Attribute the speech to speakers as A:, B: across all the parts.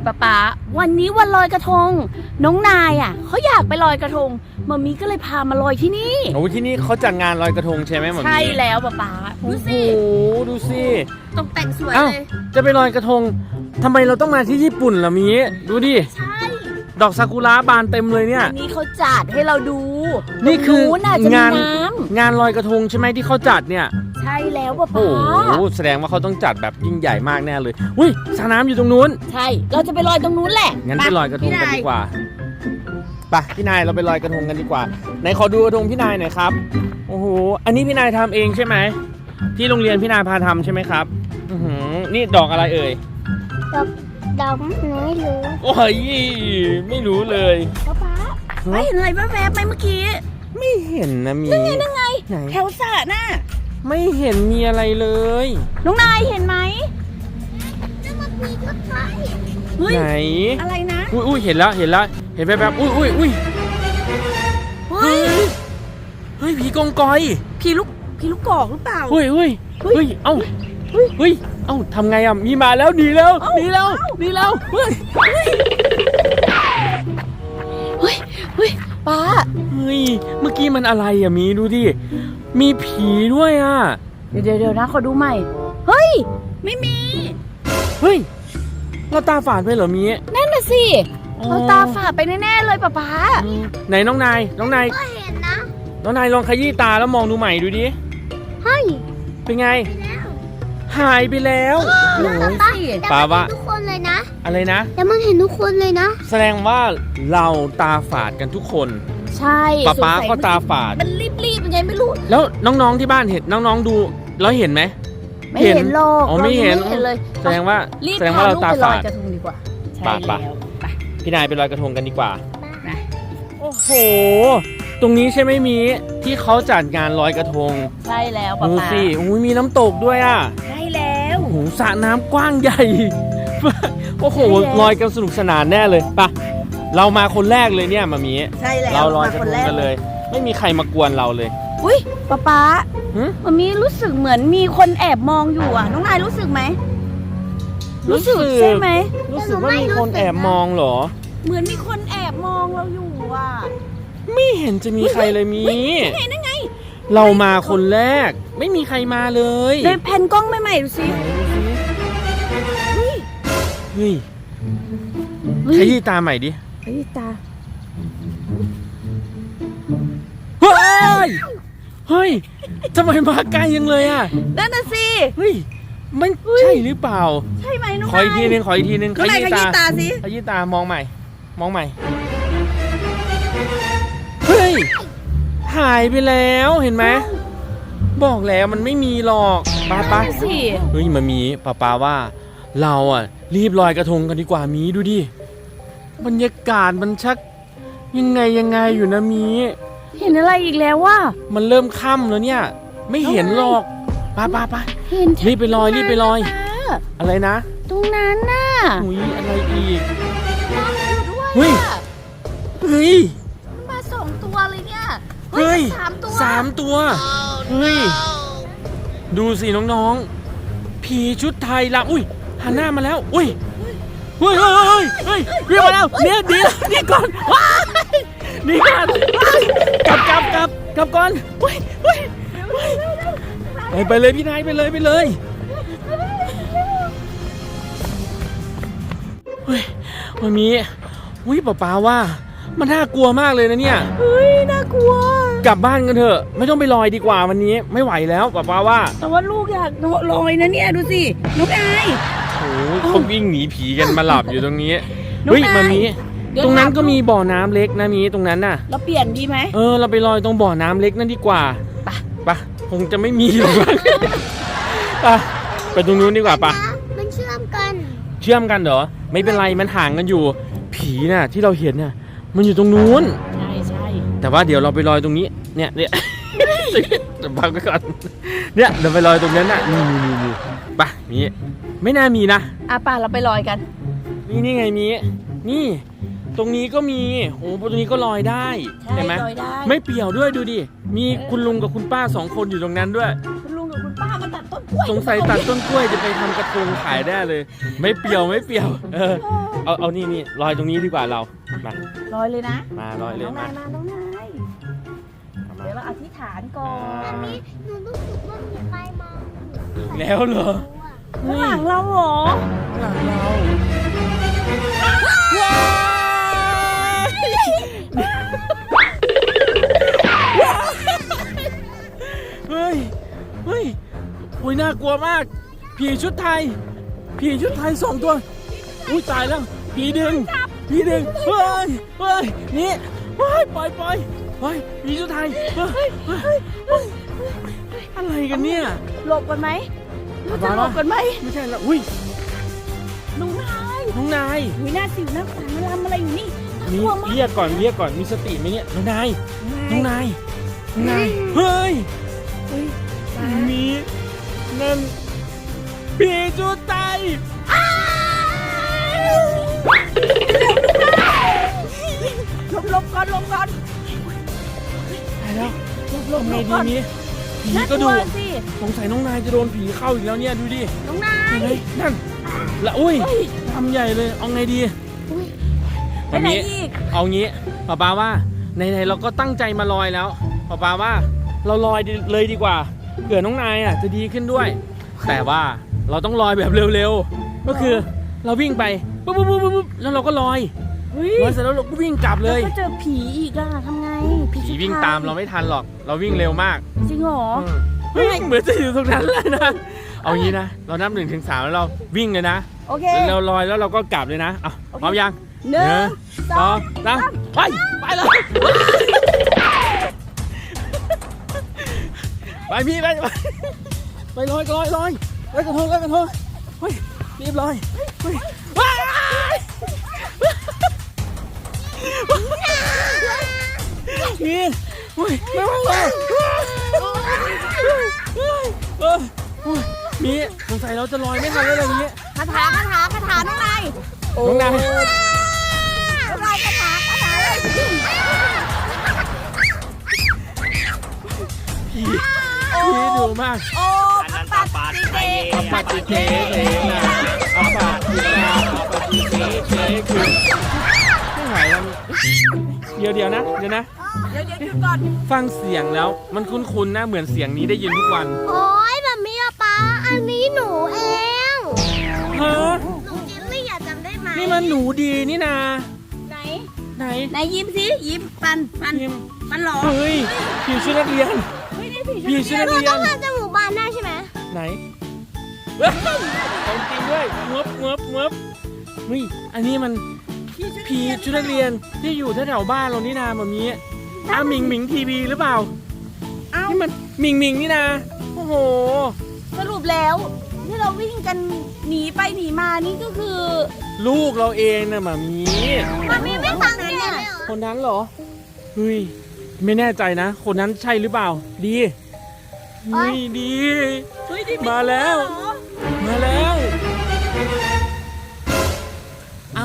A: ป๊าวันนี้วันลอยกระทงน้องนายอ่ะเขาอยากไปลอยกระทงมัมมี่ก็เลยพามาลอยที่นี่
B: โอ้ที่นี่เขาจัดงานลอยกระทงใช่ไหมหมอมี่
A: ใช่แล้วป๊าดูสิ
B: โอ้ดูสิ
A: ตกแต่งสวย
B: เอ้า
A: เลย
B: จะไปลอยกระทงทำไมเราต้องมาที่ญี่ปุ่นล่ะมีดูดิ
A: ใช่
B: ดอกซากุระบานเต็มเลยเนี่ย
A: อันนี้เขาจัดให้เราดู
B: นี่คือง
A: น่ะจะมี
B: าน
A: น้
B: งานลอยกระทงใช่ไหมที่เขาจัดเนี่ย
A: ำใช่แล้วป๊า
B: โอ้โหแสดงว่าเขาต้องจัดแบบยิ่งใหญ่มากแน่เลยอุ้ยสระน้ำอยู่ตรงนู้น
A: ใช่เราจะไปลอยตรงนู้นแหละ
B: งั้นไปลอยกระทงกันดีกว่าไปพี่นายเราไปลอยกระทงกันดีกว่าไหนขอดูกระทงพี่นายหน่อยครับโอ้โหอันนี้พี่นายทำเองใช่ไหมที่โรงเรียนพี่นายพาทำใช่ไหมครับนี่ดอกอะไรเอ่ย
C: ดอกไม่รู้
B: โอ้ยไม่รู้เลย
A: ป๊าไม่เห็นอะไรแวบๆไหมเมื่อกี้
B: ไม่เห็นนะมี
A: นั่นไง
B: ไหน
A: แถวสระน่ะ
B: ไม่เห็นมีอะไรเลย
A: น้องนายเห็นไหม
C: แล้วมันมีรถไฟ
A: เฮ้ย
B: ไหน
A: อะไรนะ
B: อุ้ยเห็นแล้วเห็นแบบอุ้ย
A: เฮ้ย
B: เฮ้ยผีกองกอย
A: ผีลูกกอกหรือเปล่า
B: เฮ้ยเอ้าทำไงอ่ะมีมาแล้วหนีแล้วเฮ้ย
A: ป้า
B: เฮ้ยเมื่อกี้มันอะไรอ่ะมีดูดิมีผีด้วยอ่ะ
A: เดี๋ยวนะขอดูใหม่ เฮ้ย ไม่มี
B: เฮ้ยเราตาฝาดไปเหรอมี
A: นั่นน่ะสิ
B: อ๋อ
A: เราตาฝาดไปแน่ๆเลยป๊า
B: ไหนน้องนาย
C: ก็เห็นนะ
B: น้องนายลองขยี้ตาแล้วมองดูใหม่ดูดิ
C: เฮ้ย
B: เป็นไง
C: ไปแล้ว
B: หายไปแล้ว
A: นั่นน่ะสิ
C: แต่
B: ปา
C: มัน
B: วะ
C: เห็นทุกคนเลยนะ
B: อะไรนะ
C: แต่มันเห็นทุกคนเลยนะ
B: แสดงว่าเราตาฝาดกันทุกคน
A: ใช่
B: ป๊า
A: สงสัย
B: ก็ตาฝาด
A: มันรีบยังไงไม่รู้
B: แล้วน้องๆที่บ้านเห็นน้องๆดูแล้วเห็นไหม
A: ไม่เห็นหรอก
B: อ๋อไม่เห็น
A: รายังเลย
B: แสดงว่า
A: รีบ
B: แสดงว่าเราตา
A: พลูกไปลอ
B: ฝาย ด
A: กระทงดีกว่า ใช่
B: ไป
A: แล้วไป
B: พี่นายไปลอยกระทงกันดีกว่า
A: นะ
B: โอ้โห ตรงนี้ใช่ไหมมีที่เขาจัดงานลอยกระทง
A: ใช่แล้วป๊า
B: ดู
A: ป๊า
B: สิโอ้ยมีน้ำตกด้วยอ่ะ
A: ใช่แล้ว
B: โอ้โหสระน้ำกว้างใหญ่ โอ้โห
A: ใช่แล้ว
B: ลอยกันสนุกสนานแน่เลยไปเรามาคนแรกเลยเนี่ยมามี
A: ใช่แล้ว
B: เราลอยกระ
A: มา
B: ท
A: คน
B: ง
A: แรก
B: กันเลย ไม่มีใครมากวนเราเลย
A: อุ้ยป๊า
B: หึ
A: มันมีรู้สึกเหมือนมีคนแอบมองอยู่อ่ะ น้องนายรู้สึกไหมใช่ไหม
B: รู้สึกว่ามีคนแอบมองเหรอ
A: เหมือนมีคนแอบมองเราอยู่อ่ะ
B: ไม่เห็นจะมีใครเลยมี
A: นั่นไง
B: เรามาคนแรก ไม่มีใครมาเลย
A: เลยแผ่นกล้องใหม่ๆดูสิ
B: เฮ้ยขยี้ตาใหม่ดิ
A: เฮ้ยตา
B: เฮ้ย เฮ้ยทำไมมาใกล้ยังเลยอ่ะ
A: นั่นน่ะสิ
B: เฮ้ยมันใช่หรือเปล่า
A: ใช่ไหมน้อง
B: ขออีกทีนึง
A: น้องนายขยี้ตาสิ
B: ขยี้ตามองใหม่ เฮ้ย หายไปแล้วเห็นไหม บอกแล้วมันไม่มีหรอกป้า
A: นั่นน่ะสิ
B: เฮ้ยมันมีป้าว่าเราอ่ะ รีบลอยกระทงกันดีกว่ามีดูดิบรรยากาศมันชักยังไงอยู่นะมี
A: เห็นอะไรอีกแล้วว่า
B: มันเริ่มค่ำแล้วเนี่ย ไม่เห็นหรอกป้า
A: เห็น
B: รีบไปลอย
A: ป้า
B: อะไรนะ
A: ตรงนั้นน่ะ
B: หุยอะไรอีก
A: น้องอยู่ด้วย
B: เฮ้ย
A: อะ
B: เฮ้ย
A: มา2 ตัวเลยเนี่ย
B: เฮ้ย
A: สามตัว
B: เฮ้ยดูสิน้องๆผีชุดไทยละอุ้ยหันหน้ามาแล้วอุ้ยเฮ้ยเรียกมาแล้วเนี่ยดีก่อนว้ายดีก่อนกลับก่อนไปเลยพี่นายไปเลยเฮ้ยวันนี้อุ้ยป้าว่ามันน่ากลัวมากเลยนะเนี่ย
A: เฮ้ยน่ากลัว
B: กลับบ้านกันเถอะไม่ต้องไปลอยดีกว่าวันนี้ไม่ไหวแล้วป้าว่า
A: แต่ว่าลูกอยากลอยนะเนี่ยดูสิน้องนาย
B: โอ้ยเขาวิ่งหนีผีกันมาหลับอยู่ตรงนี้
A: น้อง
B: เฮ้ย
A: นาย
B: มันมี
A: เดี๋ยว
B: ตรงนั้น
A: ถาม
B: ก็มีบ่อน้ำเล็กนะมีตรงนั้นน่ะ
A: เราเปลี่ยนดีไหม
B: เราไปลอยตรงบ่อน้ำเล็กนั่นดีกว่า
A: ไป
B: คงจะไม่มีหรอกไปตรงนู้นดีกว่าปะ
C: มันเชื่อมกัน
B: เชื่อมกันเหรอไม่เป็นไรมันห่างกันอยู่ ผีน่ะที่เราเห็นน่ะมันอยู่ตรงนู้น
A: ใช่
B: แต่ว่าเดี๋ยวเราไปลอยตรงนี้เนี่ยเดี๋ยวพักไปก่อนเนี่ยเดี๋ยวไปลอยตรงนั้นน่ะนี่ไปมีไม่น่ามีนะ
A: ป่าเราไปลอยกัน
B: นี่ไงมีนี่ตรงนี้ก็มีโอ้ตรงนี้ก็ลอยได้
A: ใช่
B: เห็นไหม
A: ลอยได้
B: ไม่เปี่ยวด้วยดูดิมีคุณลุงกับคุณป้า2 คนอยู่ตรงนั้นด้วย
A: คุณลุงกับคุณป้ามาตัดต้นกล้วย
B: สงสัยตัดต้นกล้วยจะไปทำกระทงขายได้เลย ไม่เปี่ยวเอานี่ลอยตรงนี้ดีกว่าเรามา
A: ลอยเลยนะ
B: มาลอยเลย
A: น้อง
B: มา
A: นายมาน้องนาย
B: เอามา
A: เดี๋ยวเราอธิษฐานก่อน
C: หนูรู้สึกว่ามีใครมอง
B: อีกแล้วเหรอ
A: ข้างหลังเราเหรอ
B: หลังเราเฮ้ยอุ้ยน่ากลัวมาก ผีชุดไทย 2 ตัว อุ้ยตายแล้ว ผีดึง เฮ้ยนี่ปล่อยผีชุดไทยอะไรกันเนี่ย
A: หลบกันไหมเราจะหลบกันไหม
B: ไม่ใช่แล้วอุ้ย
A: น้องนาย
B: น้องนาย
A: อุ้ยหน้าสิวหน้าขวานมันทำอะไรอยู่นี่น่า
B: มี
A: กลัวมาก
B: เรียกก่อนมีสติไหมเนี่ยน้องนายเฮ้ยมีนั่นผีชุดไทย
A: หลบก่อน
B: ตายแล้ว
A: หลบ
B: ทำไง
A: ก่อน
B: ดีนี้ผี
A: น่าก
B: ก็
A: ลั
B: ดู
A: วสิ
B: สงสัยน้องนายจะโดนผีเข้าอีกแล้วเนี่ยดูดิ
A: น้องนาย
B: เฮ้ยนั่นละอุ้ยทำใหญ่เลยเอาไงดี
A: ไปไหนอีก
B: เอางี้ป้าว่าไหนๆเราก็ตั้งใจมาลอยแล้วป้าว่าเราลอยเลยดีกว่าเผื่อน้องนายจะดีขึ้นด้วย แต่ว่าเราต้องลอยแบบเร็วๆก็คือเราวิ่งไปปุ๊บแล้วเราก็ลอย
A: เฮ้ย
B: ลอยเสร็จแล้วเราก็วิ่งกลับเลย
A: แล้วก็เจอผีอีกอะทำไง
B: ผีวิ่งตามเราไม่ทันหรอกเราวิ่งเร็วมาก
A: จริงเหรอ
B: เฮ้ยเหมือนจะอยู่ตรงนั้นเลยนะเอางี้นะเรานับ1 ถึง 3แล้วเราวิ่งเลยนะ
A: โอเค
B: เราลอยแล้วเราก็กลับเลยนะเอา
A: โอเค
B: พร้อมยัง
A: หนึ่งสอง
B: 3ไปเลยไปพี่ไปลอยกระทงเฮ้ยรีบลอยเฮ้ยว้ายนี่เฮ้ยไม่ไหวแล้วมีสงสัยเราจะลอยไม่ทันแล้วอะไรอย่างเงี้ย
A: คาถาน้องนาย
B: น้องนาย
A: น้องนายคาถาเลย
B: พี่ดูมาก
A: โอ้ปัดติเต
B: อัปปาติเทเทนะอัปปาติเทอัปปาติเทเทคือไม่ไหวแล้วเดี๋ยวนะ
A: เดี๋ยวหยุดก่อน
B: ฟังเสียงแล้วมันคุ้นๆนะเหมือนเสียงนี้ได้ยินทุกวัน
C: โอ๊ยแบบนี้อะป๊าอันนี้หนูเอง
B: ฮะ
C: หนูจิลลี่อยากจำได้ไหม
B: นี่มันหนูดีนี่นา
A: ไหน
B: ไหน
A: ไหนยิ้มสิยิ้มฟัน
B: พิมพ์
A: ฟันหรอ
B: เฮ้ยผีชุดนักเรียน
A: เฮ้ยนี่ผี
B: ผีชุดนัก
C: เรา
B: เรีย
C: ต้อน งทำจมูกบานได้ใช่ไหม
B: ไหนเฮ้ยของจริงด้วยเมือบเฮ้ยอันนี้มันผีชุดนักเรียนที่อยู่แถวๆบ้านเรานี่นาแบบนี้หมิงทีวีหรือเปล่า
A: เอ้า
B: นี่มันหมิงนี่นะโอ้โห
A: สรุปแล้วที่เราวิ่งกันหนีไปหนีมานี่ก็คือ
B: ลูกเราเองนะหมามี
C: มันมีไม่สังเกตเลยเหรอ
B: คนนั้นเหรอเฮ้ยไม่แน่ใจนะ คนนั้นใช่หรือเปล่าดีเฮ้ยดี
A: เฮ้ยนี่
B: มาแล้ว มาแล้ว เอา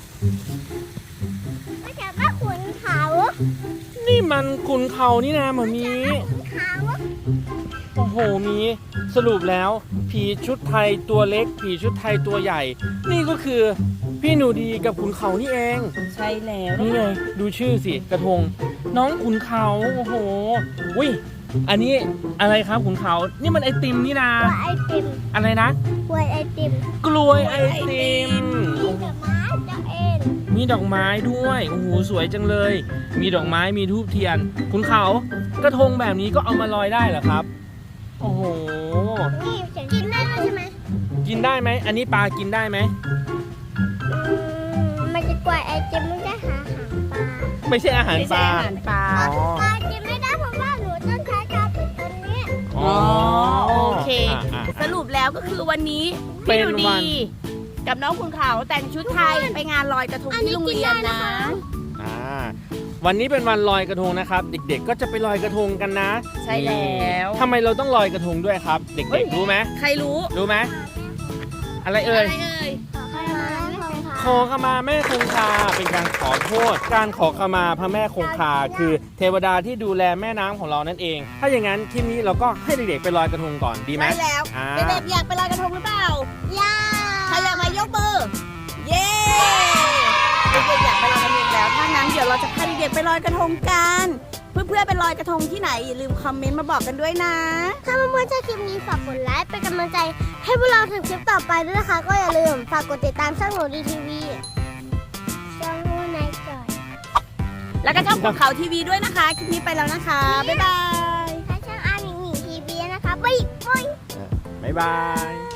C: ไม่ใช่ว่าขุนเขา
B: นี่มันขุนเขานี่นะหมามี
C: ขุนเขา
B: โอ้โหมีสรุปแล้ว ผีชุดไทยตัวเล็ก ผีชุดไทยตัวใหญ่ นี่ก็คือพี่หนูดีกับขุนเขานี่เอง
A: ใช่แล้ว
B: นี่ไงดูชื่อสิกระทง น้องขุนเขาโอ้โหอุ้ยอันนี้อะไรครับขุนเขานี่มันไอติมนี่นา
C: หัวไอติม
B: อะไรนะ
C: หัวไอติม
B: กล้วยไอติม
C: มีดอกไม้จะเอง
B: มีดอกไม้ด้วยโอ้โหสวยจังเลย มีดอกไม้มีธูปเทียนขุนเขากระทงแบบนี้ก็เอามาลอยได้เหรอครับโอ้โห
C: นี่กินได้ไหมใช่ไหม
B: กินได้ไหมอันนี้ปลากินได้ไหม
C: มันจะกล้วยไอติมไม่ได้หาหางปลา
B: ไม่ใช่อาหาร
A: ไม่
B: ป
A: ใช่
B: ลา
A: อาหารปลา
B: อ๋อ
C: ปลากินไม่ได้เพราะว่าหนูต้องใช้กาวปิดตัวนี้
B: อ๋อ
A: โอเค
B: อ่ะ
A: สรุปแล้วก็คือวันนี้
B: เป็
A: พี่
B: น
A: ดู
B: วั
A: ดี
B: น
A: กับน้องคุณเขาแต่งชุดไทยไปงานลอยกระทงที่โรงเรียนนะ
B: อ่าวันนี้เป็นวันลอยกระทงนะครับ เด็กๆก็จะไปลอยกระทงกันนะ
A: ใช่แล้ว
B: ทำไมเราต้องลอยกระทงด้วยครับ เด็กๆรู้ไหม
A: ใครรู้
B: รู้ไหมอะไรเอ่ย
A: อะไรเอ่ย
C: ขอให้มาไม่คงค่ะ
B: ขอขมาแม่คงคาเป็นการขอโทษ การขอขมาพระแม่คงคาคือเทวดาที่ดูแลแม่น้ำของเรานั่นเอง ถ้าอย่างนั้นคลิปนี้เราก็ให้เด็กๆไปลอยกระทงก่อนดีไหม
A: ใช่แล้ว
B: อ่า
A: เด็กๆอยากไปลอยกระทงหรือเปล่า
C: ย่า
A: ใครอยากมายกมือ เย้เด็กๆอยากไปลอยกระทงแล้วถ้างั้นเดี๋ยวเราจะพาเด็กๆไปลอยกระทงกันเพื่อนๆไปลอยกระทงที่ไหนอย่าลืมคอมเมนต์มาบอกกันด้วยนะ
C: ถ้าเพื่อนๆชอบคลิปนี้ฝากกดไลค์เป็นกำลังใจให้พวกเราทำคลิปต่อไปด้วยนะคะ ก็อย่าลืมฝากกดติดตามช่องหนูดีทีวีช่องนูนายจ่อย
A: แล้วก็ช่องของเขาทีวีด้วยนะคะคลิปนี้ไปแล้วนะคะบ๊ายบาย
C: ถ้าช่องอาหนิงหนิงทีวีนะคะบ๊ายบาย
B: บ๊ายบาย